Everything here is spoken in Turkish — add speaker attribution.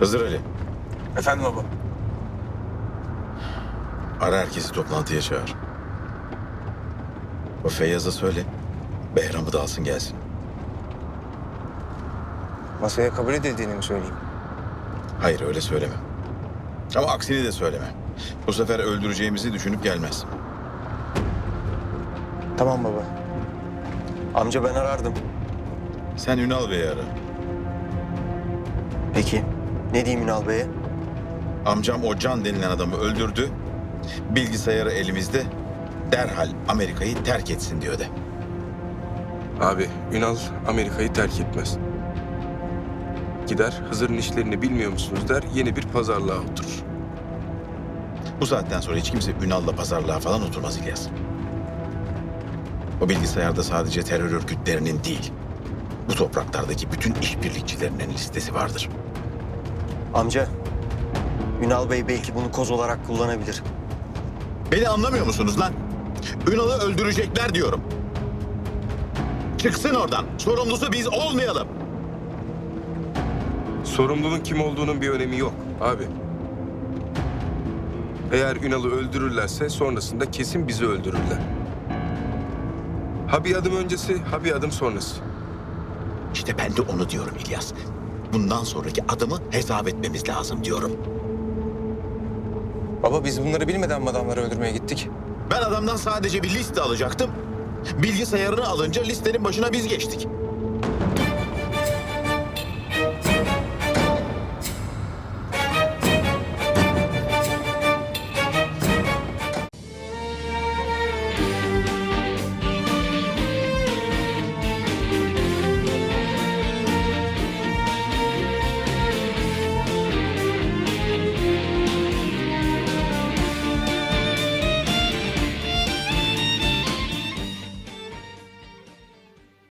Speaker 1: Hızır Ali,
Speaker 2: Efendim baba.
Speaker 1: ara herkesi toplantıya çağır. O Feyyaz'a söyle, Behram'ı da alsın gelsin.
Speaker 2: Masaya kabul edildiğini mi söyleyeyim?
Speaker 1: Hayır, öyle söyleme. Ama aksini de söyleme. Bu sefer öldüreceğimizi düşünüp gelmez.
Speaker 2: Tamam baba. Amca ben arardım.
Speaker 1: Sen Ünal Bey'i ara.
Speaker 2: Peki. Ne diyeyim Ünal Bey'e?
Speaker 1: Amcam o Can denilen adamı öldürdü. Bilgisayarı elimizde. Derhal Amerika'yı terk etsin diyor de.
Speaker 3: Abi Ünal Amerika'yı terk etmez. Gider Hızır'ın işlerini bilmiyor musunuz der, yeni bir pazarlığa oturur.
Speaker 1: Bu saatten sonra hiç kimse Ünal'la pazarlığa falan oturmaz İlyas. O bilgisayarda sadece terör örgütlerinin değil, bu topraklardaki bütün işbirlikçilerinin listesi vardır.
Speaker 4: Amca, Ünal Bey belki bunu koz olarak kullanabilir.
Speaker 1: Beni anlamıyor musunuz lan? Ünal'ı öldürecekler diyorum. Çıksın oradan. Sorumlusu biz olmayalım.
Speaker 3: Sorumlunun kim olduğunun bir önemi yok abi. Eğer Ünal'ı öldürürlerse sonrasında kesin bizi öldürürler. Ha bir adım öncesi, ha bir adım sonrası.
Speaker 1: İşte ben de onu diyorum İlyas. Bundan sonraki adımı hesap etmemiz lazım diyorum.
Speaker 2: Baba biz bunları bilmeden mi adamları öldürmeye gittik?
Speaker 1: Ben adamdan sadece bir liste alacaktım. Bilgisayarını alınca listenin başına biz geçtik.